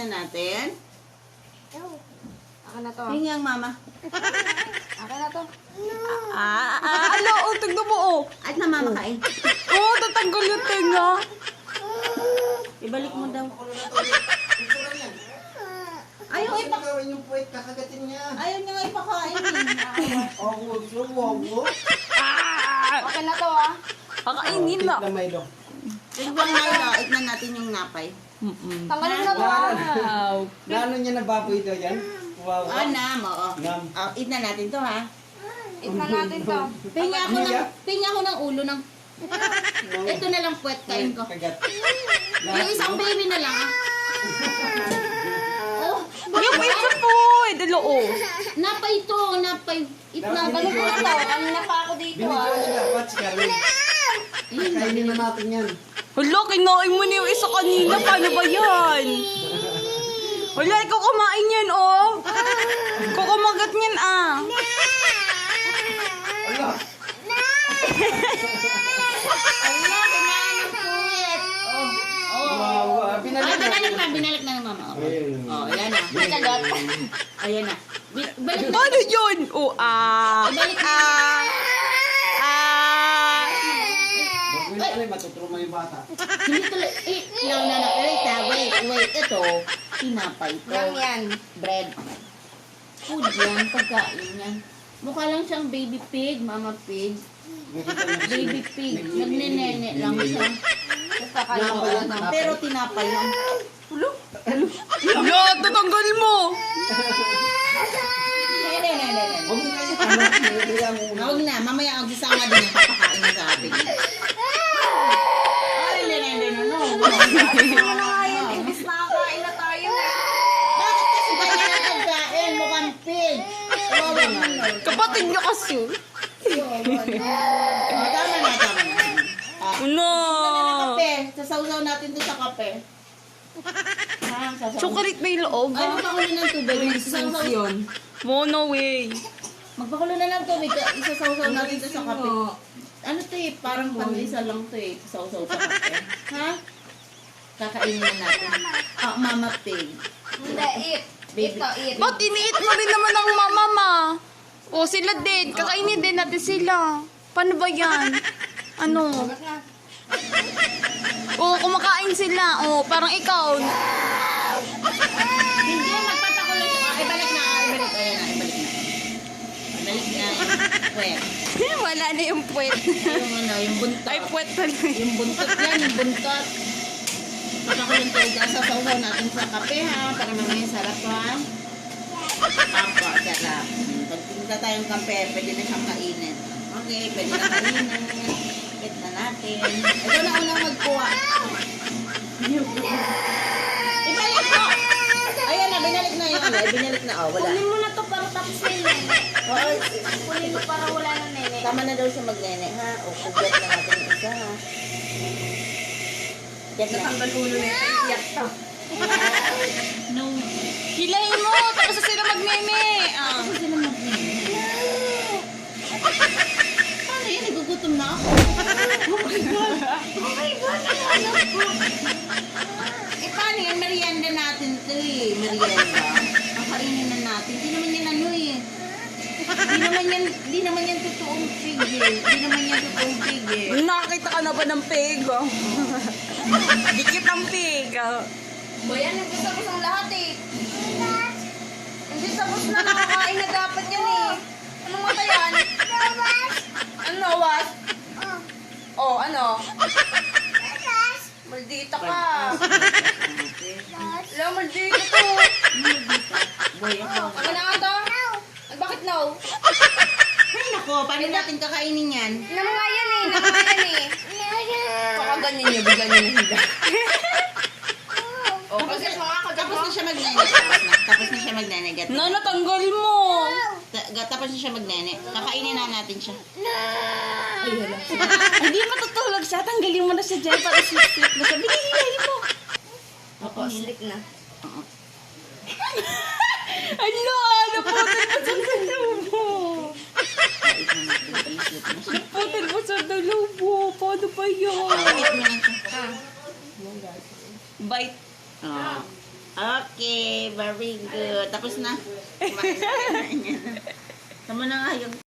na natin. Akin na to. Hingi ang mama. Akin na to. Ano? Oh, tignan mo, oh. At na mama kain. Oh, tatanggal yung tenga. Ibalik mo daw. Ayaw Ayaw ipak... gawin yung puwet, kakagatin niya. Ayaw niya nga ipakain eh. Akin na to, ah. Kakainin na. Lamay daw. Tignan nga ito. Ignan natin yung napay. Tanggalin mo na to, ah. Wow. Nano niya na baboy daw yan? Wow. Ah, nam, oo. Nam. Eat na natin to ha. Eat na natin to. Pinga ako ng ulo ng... Ito na lang puwet kain ko. Kagat. Yung isang baby na lang. Oh, Yung isa po. Dalo, oh. napay to, napay. Eat na. Tanggalin mo na to. Kanina pa ako dito, ah. Binigyan siya dapat si Carmen. Kainin na natin yan. Hala, kinain mo na yung isa kanina. Paano ba yan? Wala, ikaw kumain yan, oh. Ikaw kumagat niyan, ah. Ala! Ala, kinain ng puwet. Wow, Ay, binalik na. binalik na ng mama. Ayun. Oh, ayan na. Kagat. Ayan na. Balik na. Ano yun? Oh, Ibalik na. Ay, matutruma yung bata. Hindi tuloy. Lang na na. Wait. Ito, tinapay to. Yan. Bread. Food yan, pagkain yan. Mukha lang siyang baby pig, mama pig. Baby pig. Nagnenene lang siya. Kakalimutan na. Pero tinapay lang. Hala, tatanggal mo. Nene. Huwag mo kayo. Binigyan mo muna. Huwag na, mamaya ang gisanga din yung papakain na sa atin. Ay, nene, no. Imbis nakakain na tayo. Bakit kasi ganyan ang pagkain? Mukhang pig. Kawawa naman. Kapatid niya kasi. Tama na. No. Kape. Sasawsaw natin to sa kape. Chocolate may loob. Ay, magpakulo ng tubig. Sasawsaw yun. No way. Magpakulo na ng tubig. Isasawsaw natin to sa kape. Ano to eh? Parang panlisa lang to eh. Sawsaw sa kape. Ha? Kakainin na natin. Mama pig. Hindi, eat. Ito, eat. Ba't iniit mo rin naman ang mama ma? O sila din. Kakainin din natin sila. Paano ba yan? Ano? Kagat na. O kumakain sila. O parang ikaw. Hindi, magpapakulo siya. Ibalik na. Ayan na. Ibalik na. Puwet. Wala na yung puwet. Yung buntot. Ay, puwet talaga. Yung buntot yan, yung buntot. Magpakulong tubig. Sasawsaw natin sa kape ha. Para mamaya sarap ha. Apo, sarap. Pag tinta tayong kape, pwede na siyang kainin. Okay, pwede na kainin. Hit na natin. Ito na unang magkuha. Ibalik ko! Ayan na, binalik na yung ano. Binalik na, wala. Kunin mo na to para tapos na yung nene. Oo, Kunin mo para wala na nene. tama na daw siya magnene, ha? O, kugyat na natin yung isa, ha? Kugyat na. Tanggal ulo na ito. Iyak to. No. Hilahin mo. Tapos na sila magneme. Ah. Kasi sila magnene. Paano yun? Nagugutom na ako. Oh my God! Eh, paano yun? Merienda natin ito eh. Merienda. Kakainin na natin. Di naman yan ano eh. Di naman yan totoong pig eh. Di naman yan totoong pig eh. Nakakita ka na ba ng pig? Oh? Dikit ang pig. Oh. Boy, yan, nagkasabos ang lahat eh. Hindi sabos na nakakain na dapat yan eh. Anong mata yan? Ano, what? Oh, ano? Maldita ka. Hello, maldita to. Boy, ako. Ano na nga to? Bakit no? Ay, nako. Paano natin kakainin yan? Namamayan eh, namamayan eh. Baka ganyan niya, bigla niya nahiga. Oh, kasi Tapos na siya magnene. Tapos na siya magnene. No, natanggal mo. Tapos na siya magnene. Kakainin na natin siya. Hindi matutulog siya. Tanggalin mo na siya dyan para slip-slip na siya. Binihilahin mo. Ako, slick na. Ano? Naputin mo sa dalubo. Naputin mo sa dalubo. Paano ba yun? Eat mo na siya. Bite. Okay, very good. Tapos na. Kumain na. Tama na nga yung